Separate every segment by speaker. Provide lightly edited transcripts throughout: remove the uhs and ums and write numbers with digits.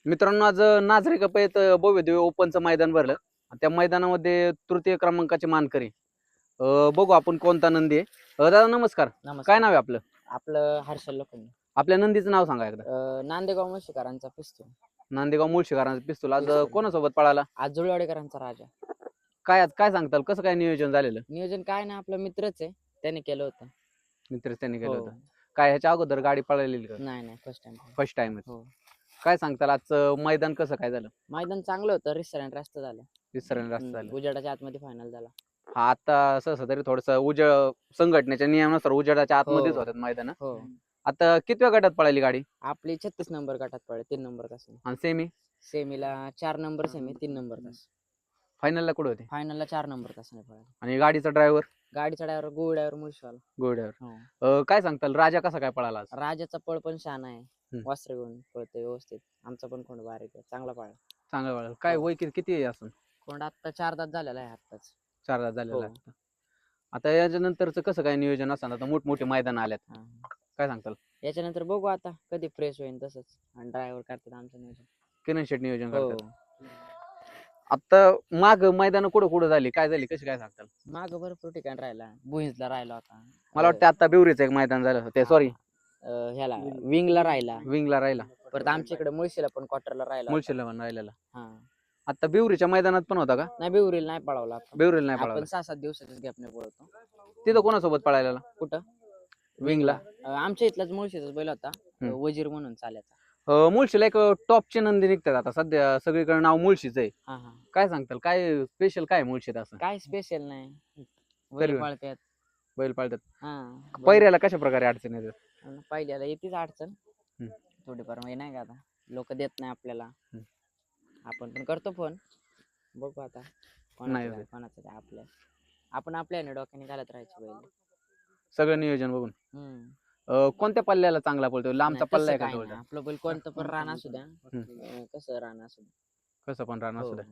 Speaker 1: मित्रांनो, आज नाझरे कपयत भव्यदिव्य ओपनचं मैदान भरलं. त्या मैदानामध्ये तृतीय क्रमांकाचे मानकरी बघू आपण कोणता नंदी आहे. दादा नमस्कार. काय
Speaker 2: नमस्कार.
Speaker 1: नाव आहे आपलं?
Speaker 2: आपलं हर्षल लोखंडे.
Speaker 1: आपल्या नंदीचं नाव सांगा एकदा.
Speaker 2: नांदेगाव मुळशीकरांचा पिस्तूल.
Speaker 1: नांदेगाव मुळशीकरांचा पिस्तूल आज
Speaker 2: पिस्तूल.
Speaker 1: कोणासोबत पळाला?
Speaker 2: आज जुळवाडेकरांचा राजा.
Speaker 1: काय आज काय सांगताल, कसं काय नियोजन झालेलं?
Speaker 2: नियोजन काय ना, आपला मित्रच आहे, त्याने केलं होतं.
Speaker 1: मित्र त्यांनी केलं
Speaker 2: हो.
Speaker 1: होतं. काय ह्याच्या अगोदर गाडी पळालेली का?
Speaker 2: नाही फर्स्ट टाइम.
Speaker 1: First time.
Speaker 2: हो.
Speaker 1: काय सांगताल आजचं मैदान कसं काय झालं?
Speaker 2: मैदान चांगलं होतं, रिसरंट रास्त झालं.
Speaker 1: विसरायला रस्ता झालं.
Speaker 2: उजेडाच्या आतमध्ये फायनल झाला.
Speaker 1: हा, आता सहसा तरी थोडस संघटनेच्या नियमानुसार उजेडाच्या आतमध्येच होतात मैदान.
Speaker 2: हो.
Speaker 1: आता कितव्या गटात पळाली गाडी?
Speaker 2: आपली 36 नंबर गटात पडले, 3 नंबर तास.
Speaker 1: आणि सेमी
Speaker 2: सेमीला 4 नंबर सेमी, 3 नंबर तास.
Speaker 1: फायनलला कुठे होते?
Speaker 2: फायनलला 4 नंबर तासाने पडला.
Speaker 1: आणि गाडीचा ड्रायव्हर?
Speaker 2: गाडीचा ड्रायव्हर गोळ ड्रायव्हर मुळशीवाला.
Speaker 1: गोड्यावर.
Speaker 2: हो.
Speaker 1: काय सांगताल, राजा कसा काय पळाला आज?
Speaker 2: राजाचा पळ पण छान आहे, वस्त्र घेऊन पळतोय व्यवस्थित. आमचा पण कोण बारीक आहे, चांगला पळा.
Speaker 1: चांगला पळाला. काय वय किती आहे असं?
Speaker 2: कोंड आता 4 दात झालेला आहे आत्ताच.
Speaker 1: 4 दात झालेला
Speaker 2: हो.
Speaker 1: आहे. आता याच्यानंतरच कसं काय नियोजन असणार? आता मोठमोठे मैदान आल्यात,
Speaker 2: हा.
Speaker 1: काय सांगताल?
Speaker 2: याच्यानंतर बघू आता कधी फ्रेश होईल तसंच, आणि ड्रायव्हर करतात आमचं नियोजन.
Speaker 1: किरण शेट नियोजन
Speaker 2: हो.
Speaker 1: करतात. आता माग मैदान कुठं झाली, काय झाली, कशी काय सांगताल?
Speaker 2: माग भरपूर ठिकाण राहिला, बुहीजला राहिला होता.
Speaker 1: मला वाटतं आता बिवरीचं एक मैदान झालं ते, सॉरी
Speaker 2: ह्याला विंगला राहिला.
Speaker 1: विंगला राहिला.
Speaker 2: परत आमच्या इकडे मुळशीला पण क्वार्टरला राहिला होता.
Speaker 1: मुळशीला पण राहिलेला.
Speaker 2: हा.
Speaker 1: आता बिवरीच्या मैदानात पण होता का?
Speaker 2: नाही, बिवरीला नाही पळवला आपण.
Speaker 1: बिवरीला नाही
Speaker 2: आपण
Speaker 1: पळाला.
Speaker 2: 6-7 दिवसाच्याच गॅपने पळवतो.
Speaker 1: तिथं कोणासोबत पळायला?
Speaker 2: कुठं?
Speaker 1: विंगला.
Speaker 2: आमच्या इथलाच मुळशीचाच बैल होता, वजीर म्हणून चाल्याचा.
Speaker 1: मुळशीला एक टॉपचे नंदी निघतात आता सध्या, सगळीकडे नाव मुळशीच आहे.
Speaker 2: हा हा.
Speaker 1: काय सांगताल, काय स्पेशल काय मुळशीत असं?
Speaker 2: काय स्पेशल नाही,
Speaker 1: तरी
Speaker 2: बैल पळतात.
Speaker 1: बैल पाळतात.
Speaker 2: हा.
Speaker 1: पैऱ्याला कशा प्रकारे अडचण येतात?
Speaker 2: पहिल्याला येतेच अडचण थोडीफार, म्हणजे नाही का, आता लोक देत नाही आपल्याला. आपण पण करतो फोन, बघू आता
Speaker 1: नाही
Speaker 2: कोणाचं काय आपल्या. आपण आपल्या डोक्याने घालत राहायचं बैल.
Speaker 1: सगळं नियोजन बघून. कोणत्या पल्ल्याला चांगला पळतो? लांबचा पल्ला आहे का जवळचा?
Speaker 2: आपलं बैल कोणतं पण रान असू द्या, कसं रान असू द्या,
Speaker 1: कसं पण राहणार
Speaker 2: हो.
Speaker 1: सुद्धा.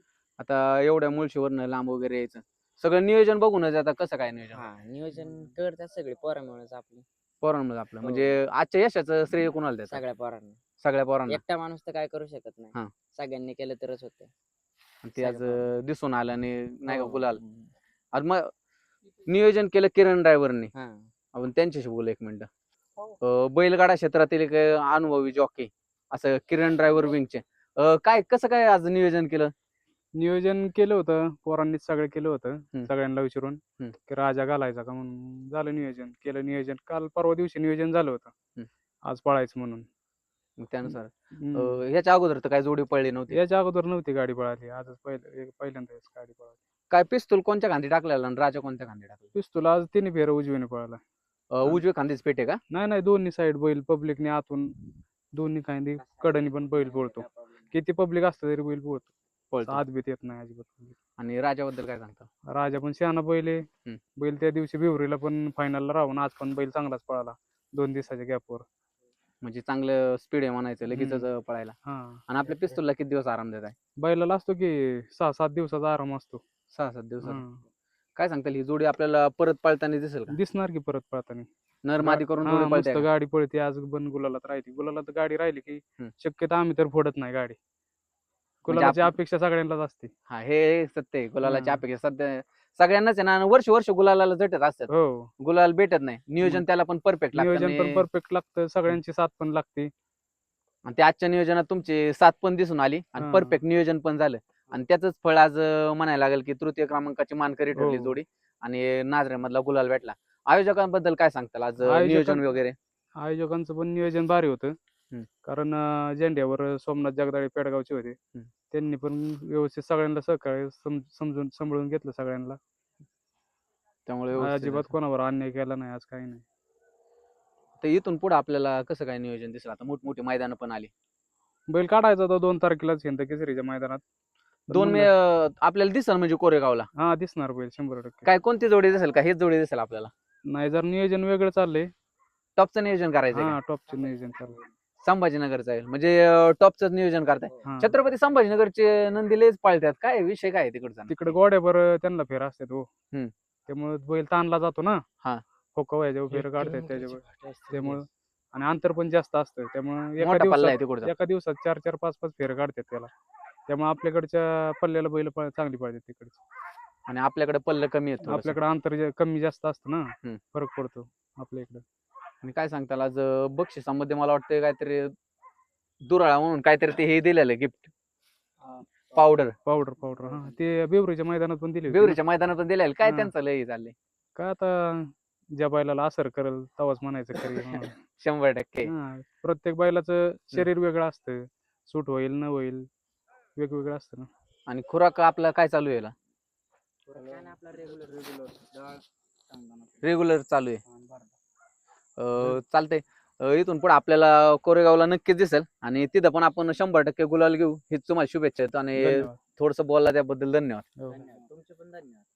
Speaker 1: आता एवढ्या मुळशीवरनं लांब वगैरे यायचं, सगळं नियोजन बघूनच आता कसं काय नियोजन?
Speaker 2: हा, नियोजन करतात सगळे पोरं मिळून आपली.
Speaker 1: पोरांमध्ये आपलं
Speaker 2: हो.
Speaker 1: म्हणजे आजच्या यशाचं श्रेय कोणाला देतात?
Speaker 2: सगळ्या पोरांना.
Speaker 1: सगळ्या पोरांना.
Speaker 2: एकटा माणूस तर काय करू शकत
Speaker 1: हा.
Speaker 2: नाही, सगळ्यांनी केलं तरच होते.
Speaker 1: ते आज दिसून आलं आणि नाही का
Speaker 2: हो.
Speaker 1: गुलाल. आज मग नियोजन केलं किरण ड्रायव्हरनी.
Speaker 2: हा.
Speaker 1: आपण त्यांच्याशी बोलू एक मिनिट. बैलगाडा क्षेत्रातील एक अनुभवी जॉकी असं किरण ड्रायव्हर विंगचे, काय कसं काय आज नियोजन केलं?
Speaker 3: नियोजन केलं होतं, पोरांनीच सगळं केलं होतं. सगळ्यांना विचारून
Speaker 1: हम्म.
Speaker 3: की राजा घालायचा का म्हणून झालं नियोजन. केलं नियोजन, काल परवा दिवशी नियोजन झालं होतं आज पळायचं म्हणून.
Speaker 1: मग त्यानुसार ह्याच्या अगोदर तर काय जोडी पडली नव्हती?
Speaker 3: याच्या अगोदर नव्हती गाडी पळाली, आजच पहिल्यांदाच गाडी पळाली.
Speaker 1: काय पिस्तूल कोणत्या खांदी टाकलेला आणि राजा कोणत्या खांदी टाकला?
Speaker 3: पिस्तूल आज तिन्ही फेर उजवीने पळाला.
Speaker 1: उजवे खांदीच पेटे का?
Speaker 3: नाही, दोन्ही साईड बैल, पब्लिकने आतून दोन्ही खांदी कडनी पण बैल पळतो. किती पब्लिक असतं तरी बैल पळतो, आत बीत येत नाही अजिबात.
Speaker 1: आणि राजाबद्दल काय सांगता?
Speaker 3: राजा पण शहाणा बैल आहे. बैल त्या दिवशी बिवरीला पण फायनलला राहून आज पण बैल चांगलाच पळाला 2 दिवसाच्या गॅपवर.
Speaker 1: म्हणजे चांगलं स्पीड आहे म्हणायचं, लगेचच पळायला. आणि आपल्या पिस्तूलला किती दिवस आराम देत आहे?
Speaker 3: बैलाला असतो की 6-7 दिवसाचा आराम असतो.
Speaker 1: 6-7 दिवसात. काय सांगताल, ही जोडी आपल्याला परत पळताना दिसेल का?
Speaker 3: दिसणार की परत पळताना.
Speaker 1: नरमादी करून जोडी पळते
Speaker 3: मस्त
Speaker 1: का?
Speaker 3: गाडी पळते आज, पण गुलालात राहते. गुलालात गाडी राहिली की शक्यतो आम्ही तर फोडत नाही गाडी. गुलालाची अपेक्षा सगळ्यांनाच असते.
Speaker 1: हा, हे सत्य आहे. गुलालाची अपेक्षा सध्या सगळ्यांनाच आहे ना. वर्ष गुलालाला झटत असतात.
Speaker 3: हो.
Speaker 1: गुलाल भेटत नाही. नियोजन त्याला पण परफेक्ट लागतं.
Speaker 3: नियोजन पण परफेक्ट लागतं, सगळ्यांची साथ पण लागते.
Speaker 1: आणि त्या आजच्या नियोजनात तुमची साथ पण दिसून आली आणि परफेक्ट नियोजन पण झालं. आणि त्याच फळ आज म्हणायला लागेल की तृतीय क्रमांकाची मानकरी ठरली जोडी आणि नाझऱ्यामधला गुलाल भेटला. आयोजकांबद्दल काय सांगताल आज नियोजन वगैरे?
Speaker 3: आयोजकांचं पण नियोजन भारी होतं, कारण झेंड्यावर सोमनाथ जगदाळे पेडगावचे होते. त्यांनी पण व्यवस्थित सगळ्यांना सहकार्य समजून सांभाळून घेतलं सगळ्यांना. त्यामुळे अजिबात कोणावर अन्याय केला नाही आज, काही नाही.
Speaker 1: तर इथून पुढे आपल्याला कसं काय नियोजन दिसलं? आता मोठमोठी मैदान पण आली.
Speaker 3: बैल काढायचा होता 2 तारखेलाच हिंद केसरीच्या मैदानात.
Speaker 1: 2 मे आपल्याला दिसल म्हणजे कोरेगावला?
Speaker 3: हा, दिसणार बैल 100%.
Speaker 1: काय कोणती जोडी दिसेल का? हेच जोडी दिसेल आपल्याला?
Speaker 3: नाही, जर नियोजन वेगळं चाललंय,
Speaker 1: टॉपचं नियोजन करायचं.
Speaker 3: टॉपचं नियोजन चाललंय.
Speaker 1: संभाजीनगरचं आहे म्हणजे टॉपच नियोजन करताय. छत्रपती संभाजीनगरचे नंदी लयच पाळतात, काय विषय काय तिकडचा?
Speaker 3: तिकडे गोड्यावर त्यांना फेर असतात हो, त्यामुळे बैल ताणला जातो ना. फोका व्हायच्या फेर काढतात त्याच्यावर, त्यामुळे आणि अंतर पण जास्त असतं, त्यामुळे
Speaker 1: मोठा पल्ला आहे तिकडचा.
Speaker 3: एका दिवसात 4-4, 5-5 फेर काढतात त्याला. त्यामुळे आपल्याकडच्या पल्ल्याला बैल चांगली पाहिजे तिकडची.
Speaker 1: आणि आपल्याकडे पल्ल कमी आहे थोडंसं.
Speaker 3: आपल्याकडे अंतर कमी जास्त असतं ना,
Speaker 1: हम्म.
Speaker 3: फरक पडतो आपल्या इकडे.
Speaker 1: आणि काय सांगताल आज बक्षिसामध्ये मला वाटतं काहीतरी दुराळा म्हणून काहीतरी ते हे दिलेलं गिफ्ट पावडर
Speaker 3: पावडर हा ते बेवरीच्या मैदानात पण दिली होती ना.
Speaker 1: बेवरीच्या मैदानात पण दिलेलं काय
Speaker 3: हा.
Speaker 1: त्यांचं लय चाललंय.
Speaker 3: काय आता ज्या बैलाला असर करेल तवाच म्हणायचं खरी म्हणून.
Speaker 1: 100%.
Speaker 3: हा, प्रत्येक बैलाचं शरीर वेगळं असतं, सूट होईल न होईल वेगवेगळं असतं ना.
Speaker 1: आणि खुराक आपला काय चालू आहे रेग्युलर चालू आहे. चालतंय. इथून पुढे आपल्याला कोरेगावला नक्कीच दिसेल आणि तिथं पण आपण 100% गुलाल घेऊ हीच तुम्हाला शुभेच्छा आहेत आणि
Speaker 3: धन्यवाद.
Speaker 1: थोडंसं बोलला त्याबद्दल धन्यवाद.
Speaker 3: हो.
Speaker 2: तुमचे पण धन्यवाद.